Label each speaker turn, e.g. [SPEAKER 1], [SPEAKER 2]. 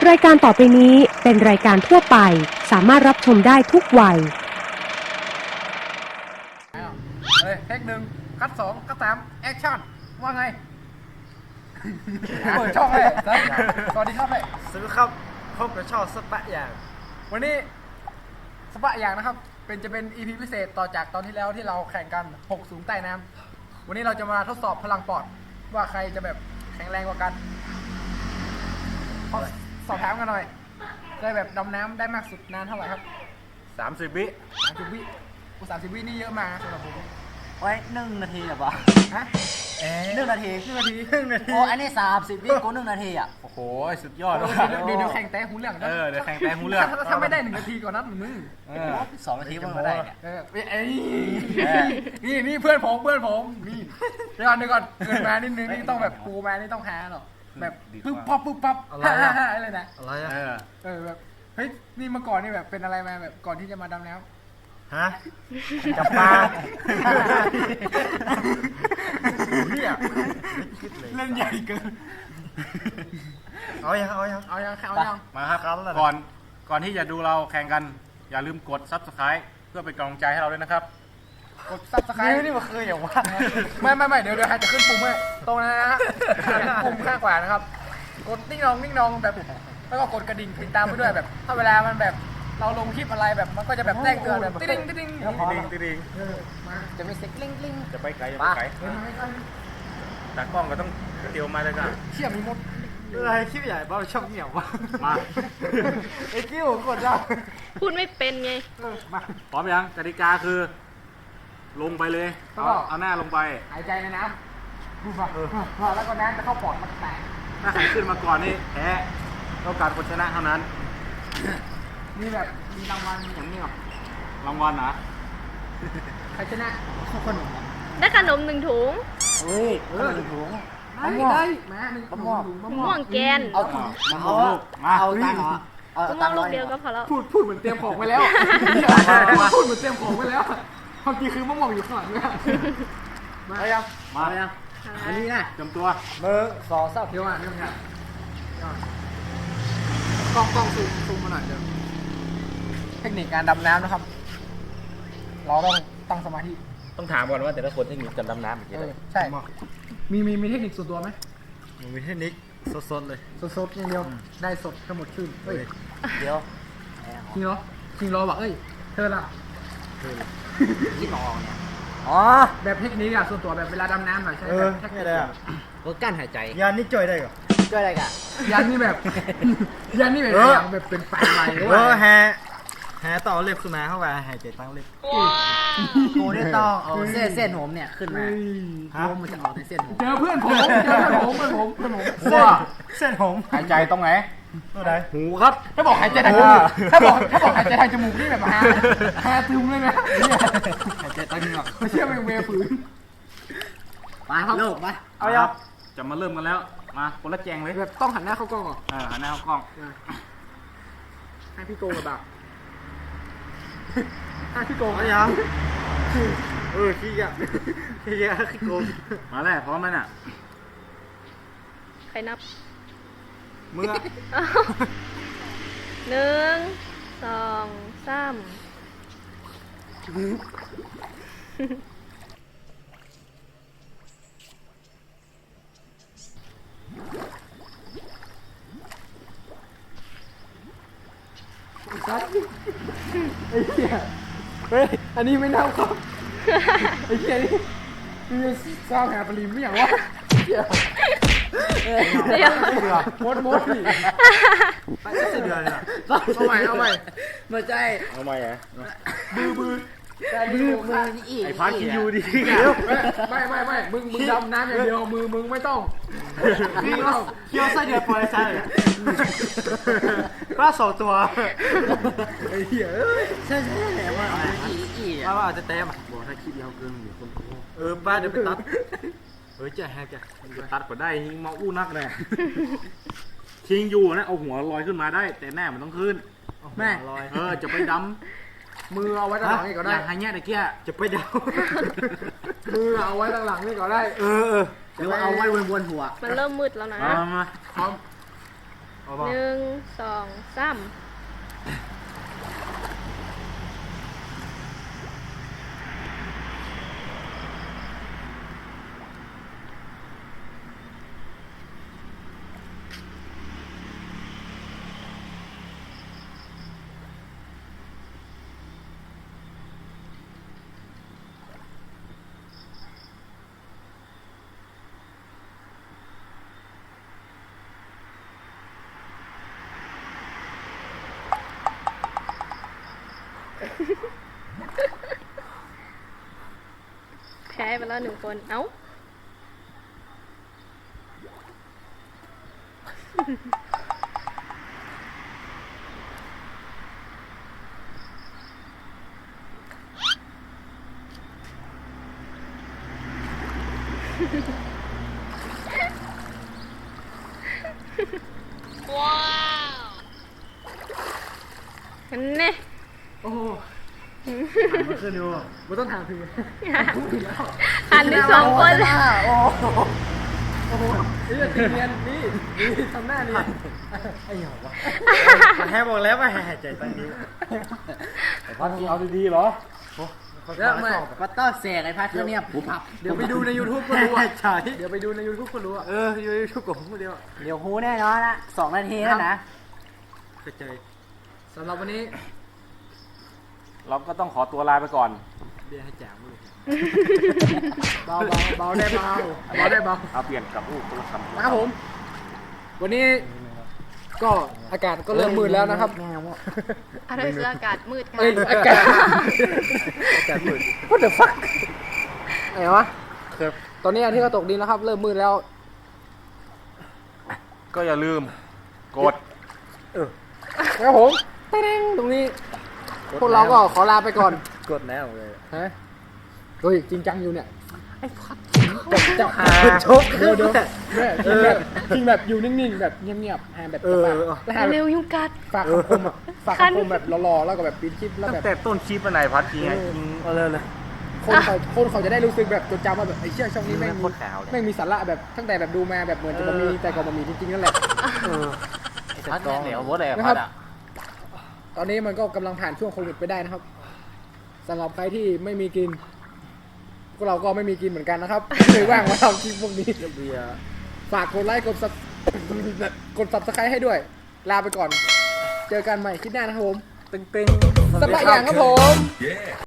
[SPEAKER 1] รายการต่อไปนี้เป็นรายการทั่วไปสามารถรับชมได้ทุกวัย
[SPEAKER 2] เทคหนึ่งคัดสองคัดสามแอคชั่นว่าไงเปิดช่องเลยสวัสดีครับเลย
[SPEAKER 3] ซื้อครับพบกับช่องสปะอย่าง
[SPEAKER 2] วันนี้สปะอย่างนะครับจะเป็น EP พิเศษต่อจากตอนที่แล้วที่เราแข่งกัน6สูงใต้น้ำวันนี้เราจะมาทดสอบพลังปอดว่าใครจะแบบแข็งแรงกว่ากันขอสอบถามกันหน่อยเคยแบบดำน้ำได้มากสุดนานเท่าไหร่ครับ
[SPEAKER 3] 30 วิ
[SPEAKER 2] 30 วิ30 วินี่เยอะมากนะสำหรับผม
[SPEAKER 4] ไว้1 นาทีเหรอปะ
[SPEAKER 2] ฮะ
[SPEAKER 4] 1 นาที
[SPEAKER 2] 1 นาที
[SPEAKER 4] โอ้อันนี้30 วิกู1 นาทีอ่ะ
[SPEAKER 3] โอ้โหสุดยอดเลย
[SPEAKER 2] เดี๋ยวแข่งแต่หูเรื่องนะ
[SPEAKER 3] เดี๋ยวแข่งแต่หูเรื่อง
[SPEAKER 2] ถ้าไม่ได้1 นาทีก่อนนัดมึง
[SPEAKER 4] 2 นาทีมันมาได้เนี่ย
[SPEAKER 2] นี่เพื่อนผมนี่เดี๋ยวก่อนเกินมานิดนึงนี่ต้องแบบปูมานี่ต้องหาหรอแบบปึ๊บปั๊บอะไรนะ
[SPEAKER 3] อะไรอ่ะ
[SPEAKER 2] แบบเฮ้ยนี่เมื่อก่อนนี่แบบเป็นอะไรมาแบบก่อนที่จะมาดำน้ำ
[SPEAKER 3] ฮะจับปลา
[SPEAKER 2] เนี่ยเล่นใหญ่เกิน
[SPEAKER 3] เอายัง
[SPEAKER 2] เอายัง
[SPEAKER 3] มาครับก่อนที่จะดูเราแข่งกันอย่าลืมกด Subscribe เพื่อเป็นกำลังใจให้เราด้วยนะครับ
[SPEAKER 2] กดซับสไครต์นี่มันคืออย่างว่าไม่เดี๋ยวใครจะขึ้นปุ่มให้ตรงนั้นนะฮะปุ่มข้างขวานะครับกดนิ่งนองแบบแล้วก็กดกระดิ่งติดตามไปด้วยแบบ ถ้าเวลามันแบบเราลงคลิปอะไรแบบมันก็จะแบบแจ้งเตือนแบบติ๊งจะไม่เซ็กลิง
[SPEAKER 3] จะไปไกลตากล้องก็ต้องเตียวมาเลยกัน
[SPEAKER 2] เชี่ยมีมด
[SPEAKER 3] อะไรคลิปใหญ่บ้าช่องเหนียววะมา
[SPEAKER 2] ไอ้กิ้วกดได้
[SPEAKER 5] พูดไม่เป็นไง
[SPEAKER 2] มา
[SPEAKER 3] พร้อมยังกติกาคือ ลงไปเลยเอาหน้าลงไป
[SPEAKER 2] หายใจในน้ำดูมาแล้วก็น้ำจะเข้าปอดมันแตก
[SPEAKER 3] ถ้าใครขึ้นมาก่อนนี่แพ้ต้องการคนชนะเท่านั้น
[SPEAKER 2] นี่แบบมีรางวัลอย่างนี้หรอ
[SPEAKER 3] รางวัลนะ
[SPEAKER 2] ใครชนะขนม
[SPEAKER 5] ได้ขนม1 ถุง
[SPEAKER 4] เฮ้ยถุง
[SPEAKER 2] ได้มาหนึ่ง
[SPEAKER 4] มะม่วง
[SPEAKER 5] มะม่วงแกน
[SPEAKER 4] เอาถุงเอาตังค์เหรอเอา
[SPEAKER 5] มะม่
[SPEAKER 4] ตั
[SPEAKER 5] ว
[SPEAKER 4] ง
[SPEAKER 5] ง
[SPEAKER 4] ค์
[SPEAKER 5] ลู
[SPEAKER 4] ร้อก ย
[SPEAKER 5] เดียวก็พอแล้ว
[SPEAKER 2] พูดเหมือนเตรียมของไว้แล้วพูดเหมือนเตรียมของไว้แล้วความจริงคือมะม่วงอยู่ข้างหลังเนี่ยมายัง
[SPEAKER 3] มา
[SPEAKER 4] อันนี้นะ
[SPEAKER 3] เตรียมตัว
[SPEAKER 4] 1 2 3
[SPEAKER 2] เดี๋ยวกล้องซูมมาหน่อยเดี๋ยวเทคนิคการดำน้ำนะครับ เราต้องตั้งสมาธิ
[SPEAKER 3] ต้องถามก่อนว่าแต่ละคนเทคนิคการดำน้ำเป็นยังไง
[SPEAKER 2] ใช่มีเทคนิคส่วนตัวไหม
[SPEAKER 3] มีเทคนิคสดๆเลย
[SPEAKER 2] สดๆอย่างเดียวได้สดทั้งหมดชื่นเฮ้ย
[SPEAKER 4] เดี๋ยว
[SPEAKER 2] จริงเหรอบอกเอ้ยเธอล่ะ
[SPEAKER 4] ที่นอนเนี่ยอ๋อ
[SPEAKER 2] แบบเทคนิคอะส่วนตัวแบบเวลาดำน้ำหน่อยใช่ไหมแท็ก
[SPEAKER 3] นี่เลยอ่ะ
[SPEAKER 4] ลดการหายใจ
[SPEAKER 3] ยานนี่จ่อยได้ก่อน
[SPEAKER 4] ช่วยอะไรกัน
[SPEAKER 2] ยันนี่แบบอย่างแบบเป็นไฟไหม้หรือว่า
[SPEAKER 3] แฮต่อเล็บขึ้นมาเข้าไปหายใจตั้งเล็บ
[SPEAKER 4] กูได้ต้องเอาเส้นผมเนี่ยขึ้นมาลมมันจะออกในเส้นผม
[SPEAKER 2] เจอเพื่อนผมว่า
[SPEAKER 3] เส้นผม
[SPEAKER 2] หายใจตรงไหน
[SPEAKER 3] ตัวไหน
[SPEAKER 4] หูครับ
[SPEAKER 2] ถ้าบอกหายใจทางจมูกถ้าบอกหายใจทางจมูกนี่แบบฮาตึมเลยนะ
[SPEAKER 4] หายใจตั้งเหงา
[SPEAKER 2] ไม่เชื่อมันเวฝืน
[SPEAKER 4] มาครับเลิกมา
[SPEAKER 3] เอาครับจะมาเริ่มกันแล้วมาคนละแจงเลย
[SPEAKER 2] แบบต้องหันหน้าเข้ากล้องก่อน
[SPEAKER 3] หันหน้าเข้ากล้อง
[SPEAKER 2] ให้พี่โกงกับแบบให้พี่โกง
[SPEAKER 3] เอายังขี้ยะขี้โกงมาแล้วพร้อมไหมน่ะ
[SPEAKER 5] ใครนับ
[SPEAKER 3] มือ
[SPEAKER 5] 1 2 3
[SPEAKER 2] ไอ้เหี้ยเฮ้ยอันนี้ไม่น่าครับไอ้เหี้ยนี่มีสร้างหาปริมไม่อย่างวะเหี้ย
[SPEAKER 5] เดี๋ยว
[SPEAKER 2] มดนี่
[SPEAKER 3] ไปเส้นเดือนน่ะ
[SPEAKER 2] เอาใหม่
[SPEAKER 4] ไม่ใช่
[SPEAKER 3] เอาไหมอ่ะ
[SPEAKER 4] มือนี่อีก
[SPEAKER 3] ไอ้พัดกินอยู่ดี
[SPEAKER 2] ไม่มึงดำน้ำอย่างเดียวมึงไม่ต้อง
[SPEAKER 3] พี่เคี่ยวไส้เดือนปล่อยไส้ปลาสองตัว
[SPEAKER 2] ไอ้เหี้ย
[SPEAKER 4] ใช่แหละว่าอีก
[SPEAKER 3] ว่าอาจจะเต็มบอกถ้าคิดยาวเกินอยู่คนป้าเดี๋ยวไปตัดจะแฮกจะตัดก็ได้ยิงมาอู้นักเลยชิงอยู่นะเอาหัวลอยขึ้นมาได้ แต่แน่มันต้องขึ้น
[SPEAKER 2] แม่
[SPEAKER 3] จะไปดำ
[SPEAKER 2] มือเอาไว้ตั้งหลังนี่ก็ได้
[SPEAKER 3] อย่างไฮเนี้ยตะเกียจะไปด
[SPEAKER 2] มือเอาไว้ตั้งหลังนี่ก็ได้
[SPEAKER 3] ำ
[SPEAKER 4] หรือว่าเอาไว้วนหัว
[SPEAKER 5] มันเริ่มมืดแล้วนะ
[SPEAKER 3] มา
[SPEAKER 2] พร้อม
[SPEAKER 3] เอาป่ะ
[SPEAKER 5] 1 2 3 แพ้ไปแล้ว1 คน เอ้า ว้าวเห็นไหม
[SPEAKER 2] โอ้โห
[SPEAKER 3] มันขึ้นอยู่
[SPEAKER 2] ไม่ต้องถามถึง
[SPEAKER 5] หันไป2 คนเลย
[SPEAKER 2] โอ้โหโอ้โหนี่ตีเนียนนี่ทำหน้านี่
[SPEAKER 3] ไอ้เหี้ยวะแฮบอกแล้วว่าแฮใจตั้งนี้ไอ้พัดมึงเอาดีๆเหรอ
[SPEAKER 2] แล้วไม่
[SPEAKER 4] ก็ต้องเสกไอ้พัดเครื่องเนี่ยปุ๊บพับ
[SPEAKER 2] เดี๋ยวไปดูใน YouTube ก็รู้อ่ะ
[SPEAKER 3] ใช่
[SPEAKER 2] เดี๋ยวไปดูใน YouTube ก็รู้อ่ะ
[SPEAKER 3] อยู่ในชุกกับผมคนเดียว
[SPEAKER 4] เดี๋ยวฮูแน่นอนนะ2 นาทีแล้วนะ
[SPEAKER 3] กระจาย
[SPEAKER 2] สำหรับวันนี้
[SPEAKER 3] เราก็ต้องขอตัวลาไปก่อนเบียร์ให้แจกมั้งเลย
[SPEAKER 2] เบาเบาได้เบาเบาได้เบา
[SPEAKER 3] เอาเปลี่ยนกับลูกตัวคำ
[SPEAKER 2] นะครับผม วันนี้ก็อากาศก็เริ่มมืดแล้วนะครับ
[SPEAKER 5] อะไรคืออากาศมืดค่ะ
[SPEAKER 2] เอ้ยอากาศมืด What the fuck อะไรวะ
[SPEAKER 3] ครับ
[SPEAKER 2] ตอนนี้อาทิตย์ก็ตกดินแล้วครับ เริ่มมืดแล้ว
[SPEAKER 3] ก็อย่าลืมกด
[SPEAKER 2] นะครับผมเต้งตรงนี้ พวกเราก็ขอลาไปก่อน
[SPEAKER 3] กดแล้วเลย
[SPEAKER 2] ฮะเฮ้ยจริงจังอยู่เนี่ยจะหา
[SPEAKER 3] ชก
[SPEAKER 2] เดี๋ยวจริงแบบอยู่นิ่งๆแบบเงียบๆหาแบบแล้วหา
[SPEAKER 5] เร็วยุงกัด
[SPEAKER 2] ฝากคำคมฝากคำคมแบบรอๆแล้วก็แบบปิดคลิปแล้ว
[SPEAKER 3] ตั้
[SPEAKER 2] แบบ
[SPEAKER 3] งแต่ต้นคลิปอะไรพัดจริงไงจริงเลย
[SPEAKER 2] คนเขาจะได้รู้สึกแบบจดจำว่าแบบไอ้เชี่ยช่องนี้แม่ง
[SPEAKER 3] โคตรขาวเลย
[SPEAKER 2] แม่งมีสาระแบบตั้งแต่แบบดูมาแบบเหมือนจะบ่มีแต่ก็บ่มีจริงๆนั่นแหละ
[SPEAKER 3] พัดเนี่ยเหลววะเลย
[SPEAKER 2] นะครับ
[SPEAKER 3] พัดอ่ะ
[SPEAKER 2] ตอนนี้มันก็กำลังผ่านช่วงโควิดไปได้นะครับสำหรับใครที่ไม่มีกินพวกเราก็ไม่มีกินเหมือนกันนะครับ เลยว่างมาทำคลิปพวกนี้
[SPEAKER 3] เบียร์
[SPEAKER 2] ฝากกดไลค์กดซับสไครต์ให้ด้วย ลาไปก่อน เจอกันใหม่คลิปหน้านะครับผม
[SPEAKER 3] ตึง
[SPEAKER 2] สบายอย่างครับผม